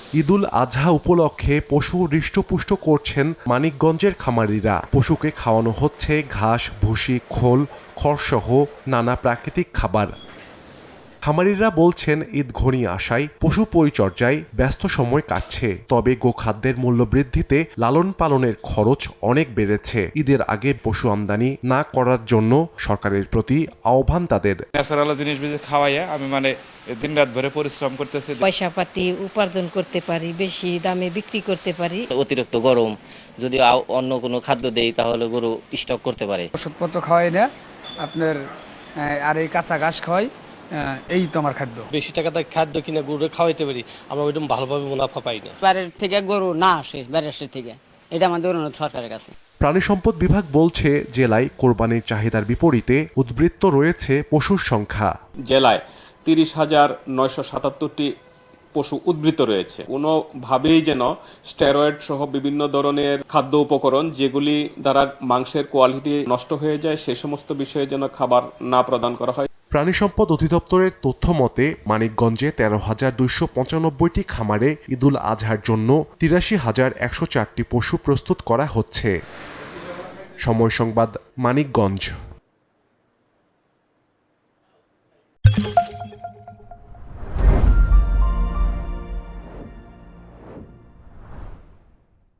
ঈদুল আজহা উপলক্ষে পশু হৃষ্টপুষ্ট করছেন মানিকগঞ্জের খামারিরা। পশুকে খাওয়ানো হচ্ছে ঘাস, ভুসি, খোল, খড়সহ নানা প্রাকৃতিক খাবার। খামারিরা বলছেন ঈদ ঘনিয়ে আসায় পশু পরিচর্যায় ব্যস্ত সময় কাটছে। তবে গোখাদ্যের মূল্য বৃদ্ধিতে লালন পালনের খরচ অনেক বেড়েছে। ঈদের আগে পশু আমদানি না করার জন্য সরকারের প্রতি আহ্বান তাদের। ন্যাচারাল জিনিস বেশি খাওয়াইয়া আমি দিন রাত ধরে পরিশ্রম করতেছি, পয়সা পাতি উপার্জন করতে পারি, বেশি দামে বিক্রি করতে পারি। অতিরিক্ত গরম যদি অন্য কোনো খাদ্য দেই তাহলে গরু স্টক করতে পারে। ওষুধপত্র খাওয়াই না আপনার, আর এই কাঁচা ঘাস খাওয়াই, এই তো আমার খাদ্য। বেশি টাকাতে খাদ্য কিনে গরু খাওয়াইতে পারি, আমরা ওইরকম ভালোভাবে মুনাফা পাই না। বাইরের থেকে গরু না আসে, বাইরের থেকে, এটা আমাদের অনুরোধ সরকারের কাছে। প্রাণী সম্পদ বিভাগ বলছে জেলায় কোরবানির চাহিদার বিপরীতে উদ্বৃত্ত রয়েছে পশুর সংখ্যা। জেলায় 30,977টি পশু উদ্বৃত্ত রয়েছে। কোনোভাবেই যেন স্টেরয়েড সহ বিভিন্ন ধরনের খাদ্য উপকরণ যেগুলি দ্বারা মাংসের কোয়ালিটি নষ্ট হয়ে যায় সে সমস্ত বিষয়ে যেন খাবার না প্রদান করা হয়। প্রাণী সম্পদ অধিদপ্তরের তথ্য মতে মানিকগঞ্জে 13,295টি খামারে ঈদুল আজহার জন্য 83,104টি পশু প্রস্তুত করা হচ্ছে। সময় সংবাদ, মানিকগঞ্জ।